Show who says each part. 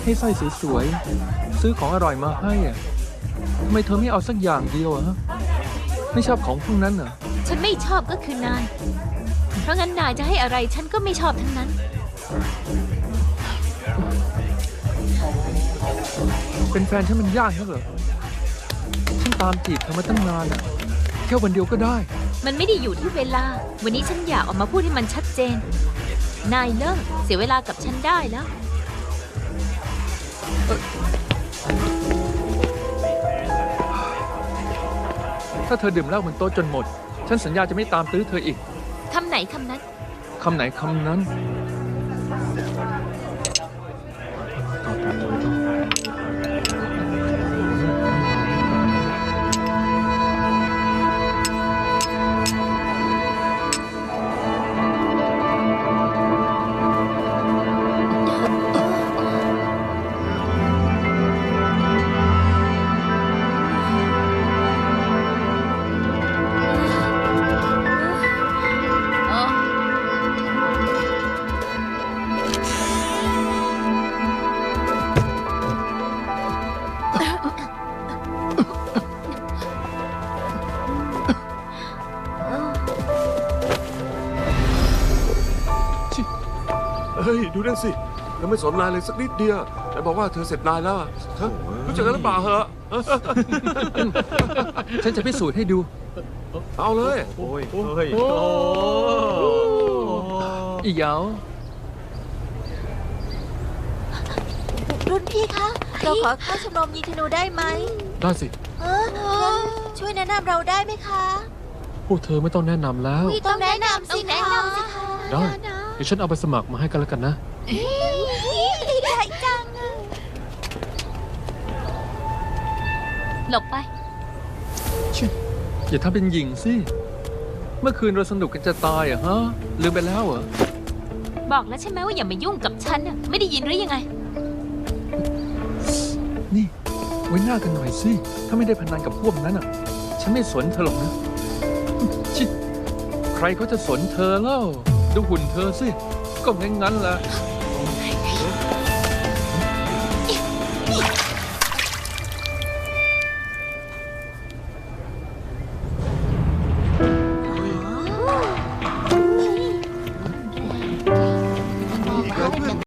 Speaker 1: ให้สร้อยสวยๆซื้อของอร่อยมาให้อะทำไมเธอไม่เอาสักอย่างเดียวอะฮะไม่ชอบของพวกนั้นเหรอ
Speaker 2: ฉันไม่ชอบก็คือนาย เพราะงั้นนายจะให้อะไรฉันก็ไม่ชอบทั้งนั้น
Speaker 1: เป็นแฟนฉันมันยากนักเหรอฉันตามจีบเธอมาตั้งนานอะแค่วันเดียวก็ได้
Speaker 2: มันไม่ได้อยู่ที่เวลา วันนี้ฉันอยากออกมาพูดให้มันชัดเจน นายเลิกเสียเวลากับฉันได้แล้ว
Speaker 1: ถ้าเธอดื่มเหล้าบนโต๊ะจนหมด ฉันสัญญาจะไม่ตามตื้อเธออีก
Speaker 2: คำไหนคำนั้น
Speaker 1: คำไหนคำนั้น
Speaker 3: เฮ้ย ดูนั่นสิเธอไม่สนนายเลยสักนิดเดียวแต่บอกว่าเธอเสร็จนายแล้วอะฮะรู้จักกันหรือเปล่าเหรอ
Speaker 1: ฉันจะพิสูจน์ให้ดู
Speaker 3: เอาเลย
Speaker 4: โอ้ยเฮ้ย
Speaker 1: อีเหยา
Speaker 5: รุ่นพี่คะ เราขอเข้าชมรมยิงธนูได้ไหม
Speaker 1: ได้สิ
Speaker 5: งั้นช่วยแนะนำเราได้ไหมคะ
Speaker 1: พวกเธอไม่ต้องแนะนำแล้ว
Speaker 5: ต้องแนะนำสิคะ
Speaker 1: ได้ เดี๋ยวฉันเอาไปสมัครมาให้กันแล้วกันนะ
Speaker 5: ดีใจจัง
Speaker 2: หลบไป
Speaker 1: ชิอย่าทำเป็นหญิงสิ เมื่อคืนเราสนุกกันจะตายอะฮะ ลืมไปแล้วเหรอ
Speaker 2: บอกแล้วใช่ไหมว่าอย่ามายุ่งกับฉันน่ะไม่ได้ยินหรือยังไง
Speaker 1: นี่ ไว้หน้ากันหน่อยสิ ถ้าไม่ได้พนันกับพวกนั้นอ่ะ ฉันไม่สนเธอหรอกนะ ชิใครเขาจะสนเธอเล่า ดูหุ่นเธอสิ ก็งั้นๆแหละ
Speaker 2: เฮ้